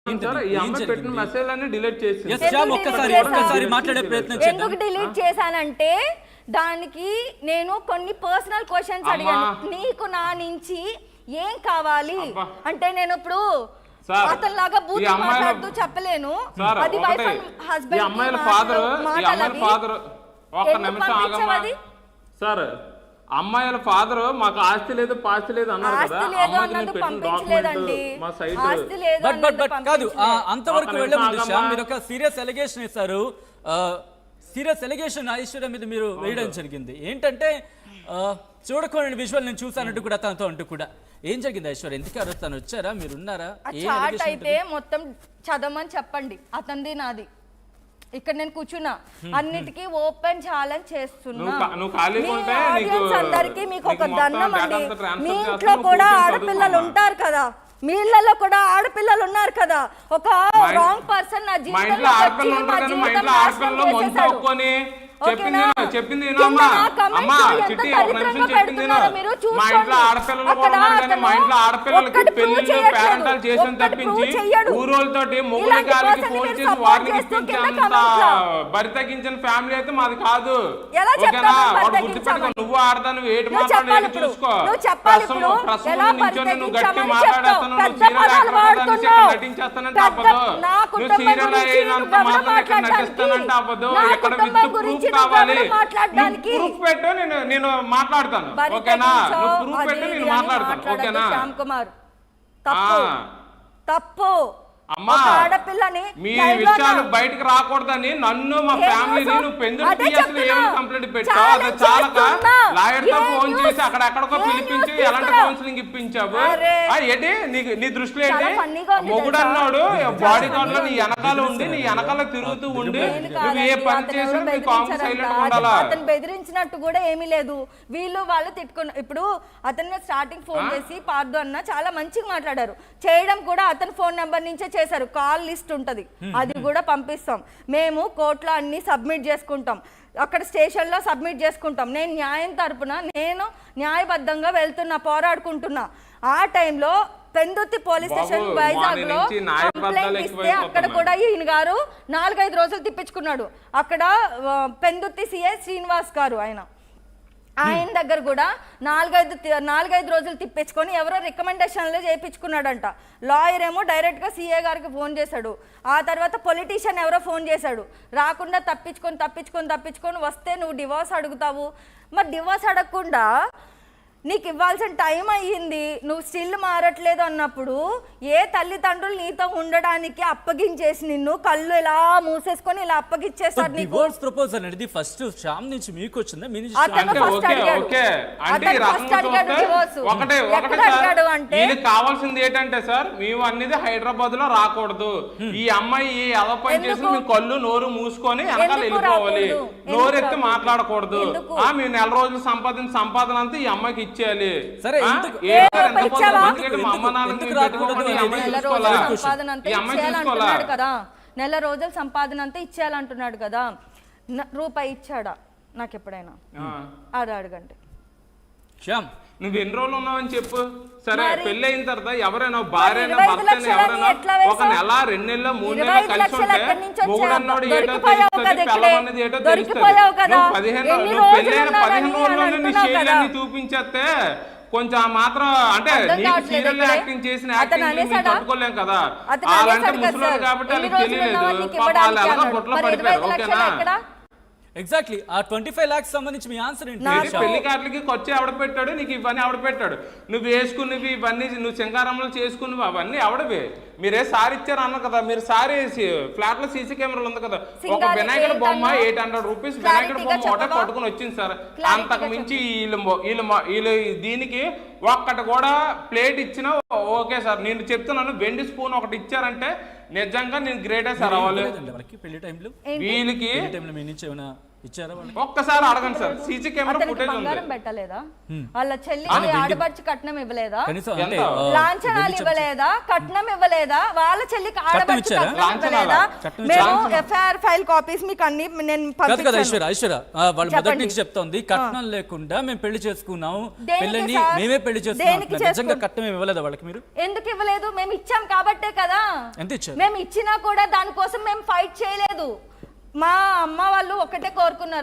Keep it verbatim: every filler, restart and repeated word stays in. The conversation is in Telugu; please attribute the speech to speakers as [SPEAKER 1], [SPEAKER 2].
[SPEAKER 1] ఈ అమ్మాయి పెట్టిన మెసేజ్ అన్ని డిలీట్ చేసి
[SPEAKER 2] ఒక్కసారి ఒక్కసారి మాట్లాడే ప్రయత్నం చేద్దాం.
[SPEAKER 3] ఎందుకు డిలీట్ చేశానంటే దానికి నేను కొన్ని పర్సనల్ క్వశ్చన్స్ అడిగాను. నీకు నా నుంచి ఏం కావాలి అంటే నేను ఇప్పుడు అతని లాగా బూత్ మాట్లాడుతూ చెప్పలేను. అది వైఫ్ అండ్ హస్బెండ్
[SPEAKER 1] అమ్మాయిల ఫాదర్ ఈ అమ్మాయిల ఫాదర్ ఒక్క నిమిషం ఆగమ్మా సార్. అమ్మాయిల ఫాదర్ మాకు ఆస్తి లేదు పాస్తి లేదు అన్నారు కదా, అమ్మాయికి పెట్టిన డాక్యుమెంట్ మా సైట్
[SPEAKER 2] బట్ బట్ బట్ కాదు అంతవరకు వెళ్ళే ముందు శ్యామ్ మీరు ఒక సీరియస్ ఎలిగేషన్ ఇస్తారు. సీరియస్ ఎలిగేషన్ ఐశ్వర్య మీద మీరు వేయడం జరిగింది. ఏంటంటే చూడకూడని విజువల్ నేను చూసానంటూ కూడా తనతో అంటూ కూడా ఏం జరిగింది ఐశ్వర్య? ఎందుకు అరుస్తాను వచ్చారా మీరు ఉన్నారా?
[SPEAKER 3] చాట్ అయితే మొత్తం చదవమని చెప్పండి, అతనిది నాది. ఇక్కడ నేను కూర్చున్నా అన్నిటికీ ఓపెన్ ఛాలెంజ్ చేస్తున్నా. అందరికి మీకు ఒక దండం అండి. మీ ఇంట్లో కూడా ఆడపిల్లలు ఉంటారు కదా, మీ ఇళ్లలో కూడా ఆడపిల్లలు ఉన్నారు కదా. ఒక రాంగ్ పర్సన్ నా జీవితంలో
[SPEAKER 1] చెప్పింది మా ఇంట్లో ఆడపిల్లలు కూడా ఉన్నారు కానీ మా ఇంట్లో ఆడపిల్లలకి పెళ్లిళ్ళు పేరెంటాలు చేసిన తప్పించి ఊరోళ్ళతోటి మొగుల గారికి ఫోన్ చేసి వారిని ఇప్పించేంత బరి తగ్గించిన ఫ్యామిలీ అయితే మాది కాదు. ఓకేనా? వాడు గుర్తు పెట్టుకో. నువ్వు ఆడదాను ఏటి మాట్లాడేది చూసుకో. ప్రస్తుతం నించొని నువ్వు గట్టి మాట్లాడేస్తాను, నువ్వు సీరియల్ నటించేస్తానంటే అవ్వదు. నువ్వు సీరియల్ అయినంత మాత్రం నటిస్తానంటే అవ్వదు. ఎక్కడ విత్ ప్రూఫ్ కావాలి, ప్రూఫ్ పెట్టు, నేను నేను మాట్లాడతాను. ఓకేనా? నువ్వు ప్రూఫ్ పెట్టు, నేను మాట్లాడతాను. ఓకేనా?
[SPEAKER 3] శ్యామ్ కుమార్ తప్పు.
[SPEAKER 1] అమ్మా మీ విషయాలు బయటకు రాకూడదని నన్ను మా ఫ్యామిలీని నువ్వు పెందుకు అసలు ఏమైనా కంప్లైంట్ పెట్టావు? అది చాలక లాయర్ తో ఫోన్ చేసి అక్కడెక్కడికో పిలిపించి ఎలాంటి కౌన్సిలింగ్ ఇప్పించావు? ఏంటి నీకు నీ దృష్టిలో ఏంటి? మొగుడు అన్నాడు బాడీ గార్డ్ లో నీ వెనకాల ఉండి నీ వెనకాల తిరుగుతూ ఉండి నువ్వు ఏ పని చేసినా నీ కామ్ సైలెంట్ ఉండాలా?
[SPEAKER 3] అతను బెదిరించినట్టు కూడా ఏమీ లేదు. వీళ్ళు వాళ్ళు తిట్టుకున్న ఇప్పుడు అతను స్టార్టింగ్ ఫోన్ చేసి పార్దు అన్న చాలా మంచిగా మాట్లాడారు. చేయడం కూడా అతని ఫోన్ నెంబర్ నుంచే చేశారు. కాల్ లిస్ట్ ఉంటది, అది కూడా పంపిస్తాం. మేము కోర్టులో అన్ని సబ్మిట్ చేసుకుంటాం, అక్కడ స్టేషన్లో సబ్మిట్ చేసుకుంటాం. నేను న్యాయం తరపున నేను న్యాయబద్ధంగా వెళ్తున్నా, పోరాడుకుంటున్నా. ఆ టైంలో పెందుర్తి పోలీస్ స్టేషన్ వైజాగ్ లో కంప్లైంట్ ఇస్తే అక్కడ కూడా ఈయన గారు నాలుగైదు రోజులు తిప్పించుకున్నాడు. అక్కడ పెందుర్తి సిఐ శ్రీనివాస్ గారు ఆయన ఆయన దగ్గర కూడా నాలుగైదు నాలుగైదు రోజులు తిప్పించుకొని ఎవరో రికమెండేషన్లు చేయించుకున్నాడంట. లాయర్ ఏమో డైరెక్ట్గా సీఏ గారికి ఫోన్ చేశాడు. ఆ తర్వాత పొలిటీషియన్ ఎవరో ఫోన్ చేశాడు. రాకుండా తప్పించుకొని తప్పించుకొని తప్పించుకొని వస్తే నువ్వు డివోర్స్ అడుగుతావు. మరి డివోర్స్ అడగకుండా నీకు ఇవ్వాల్సిన టైం అయ్యింది, నువ్వు స్టిల్ మారట్లేదు అన్నప్పుడు ఏ తల్లిదండ్రులు నీతో ఉండడానికి అప్పగించేసి నిన్ను కళ్ళు ఇలా మూసేసుకొని ఇలా అప్పగించేస్తారు.
[SPEAKER 2] డివోర్స్ ప్రపోజల్ అనేది ఫస్ట్ శ్యామ్ నుంచి మీకు వచ్చిందా? మీ నుంచి
[SPEAKER 1] కావాల్సింది ఏంటంటే సార్ మేము అన్నిది హైదరాబాద్ లో రాకూడదు. ఈ అమ్మాయి ఎలా పని చేసి మేము కళ్ళు నోరు మూసుకొని వెనకాల వెళ్ళిపోవాలి, నోరెత్తి మాట్లాడకూడదు. మేము నెల రోజులు సంపాదన సంపాదన అంతా ఈ అమ్మాయికి ఇచ్చేయాలి.
[SPEAKER 2] సరే
[SPEAKER 3] కదా నెల రోజుల సంపాదన అంతా ఇచ్చేయాలంటున్నాడు కదా. రూపాయి ఇచ్చాడా నాకు ఎప్పుడైనా? అది అడగండి.
[SPEAKER 1] నువ్వు ఎన్ని రోజులు ఉన్నావని చెప్పు. సరే పెళ్లి అయిన తర్వాత ఎవరైనా భార్య భర్త ఎవరైనా ఒక నెల రెండు నెలలు మూడు నెలలు కలిసి ఉంటే మొగుడు అన్నాడు ఏటో తెలుస్తుంది, పిల్లవన్నది ఏటో తెలుస్తుంది. నువ్వు పదిహేను నువ్వు పెళ్లి అయిన పదిహేను రోజుల్లోనే నీ షేర్లన్నీ చూపించేస్తే కొంచెం మాత్రం అంటే నీకు సీరియల్ యాక్టింగ్ చేసిన యాక్టింగ్ తట్టుకోలేం కదా. వాళ్ళంటే ముసలి కాబట్టి వాళ్ళకి తెలియలేదు, వాళ్ళు ఎలాగో బుట్టలో పడిపోయారు. ఓకేనా?
[SPEAKER 2] ఎగ్జాక్ట్లీ ఆ ట్వంటీ ఫైవ్ లాక్స్ సంబంధించి మీ ఆన్సర్ ఏంటి?
[SPEAKER 1] పెళ్లి కార్లకి ఖర్చు ఎవడ పెట్టాడు, నీకు ఇవన్నీ ఎవడ పెట్టాడు, నువ్వు వేసుకున్నవి ఇవన్నీ నువ్వు సింగారంలో చేసుకున్నవి అవన్నీ ఎవడవే? మీరే సారీ ఇచ్చారు అన్న కదా, మీరు సారీ ఫ్లాట్ లో సీసీ కెమెరాలు ఉంది కదా, ఒక వినాయకుడు బొమ్మ ఎయిట్ హండ్రెడ్ రూపీస్ వినాయకుడు బొమ్మ ఒకటే పట్టుకుని వచ్చింది సార్. అంతకు మించి వీళ్ళు వీళ్ళు వీళ్ళు దీనికి ఒక్కటి కూడా ప్లేట్ ఇచ్చినా ఓకే సార్. నేను చెప్తున్నాను వెండి స్పూన్ ఒకటి ఇచ్చారంటే నిజంగా నేను గ్రేటే సార్. అవ్వాలి వీళ్ళకి
[SPEAKER 2] ఇచ్చారా వాళ్ళకి?
[SPEAKER 1] ఒక్కసారి అడగండి సార్, సీసీ కెమెరా
[SPEAKER 3] అతనికి
[SPEAKER 1] ఫుటేజ్ ఉంది.
[SPEAKER 3] బంగారం పెట్టలేదా? వాళ్ళ చెల్లికి ఆడబడిచి కట్నం ఇవ్వలేదా?
[SPEAKER 2] కనీసం అంటే
[SPEAKER 1] ఎంత?
[SPEAKER 2] ఆ,
[SPEAKER 3] లాంఛనాలు ఇవ్వలేదా? కట్నం ఇవ్వలేదా? వాళ్ళ చెల్లికి ఆడబడిచి
[SPEAKER 2] ఇచ్చారా?
[SPEAKER 3] కట్నం ఇవ్వలేదా?
[SPEAKER 2] కట్నం
[SPEAKER 3] మేము ఎఫ్ఐఆర్ ఫైల్ కాపీస్ మీకు అన్ని నేను
[SPEAKER 2] కాదు కదా
[SPEAKER 3] పంపించాను.
[SPEAKER 2] ఐశ్వర్య ఐశ్వర్య ఆ, వాళ్ళు మొదటి
[SPEAKER 3] చెప్పండి.
[SPEAKER 2] నుంచి చెప్తోంది కట్నం లేకుండా మేము పెళ్లి చేసుకున్నాము,
[SPEAKER 3] దేనికి
[SPEAKER 2] పెళ్ళని
[SPEAKER 3] సార్?
[SPEAKER 2] మేమే పెళ్లి
[SPEAKER 3] దేనికి
[SPEAKER 2] చేసుకున్నాం. నిజంగా
[SPEAKER 3] చేసుకున్నాం?
[SPEAKER 2] కట్నం ఏమి ఇవ్వలేదా వాళ్ళకి మీరు?
[SPEAKER 3] ఎందుకు ఇవ్వలేదు? మేము ఇచ్చాం కాబట్టే కదా.
[SPEAKER 2] ఎంత ఇచ్చారు?
[SPEAKER 3] మేము ఇచ్చినా కూడా దానికోసం మేము ఫైట్ చేయలేదు. మా అమ్మ వాళ్ళు ఒకటే కోరుకున్నారు,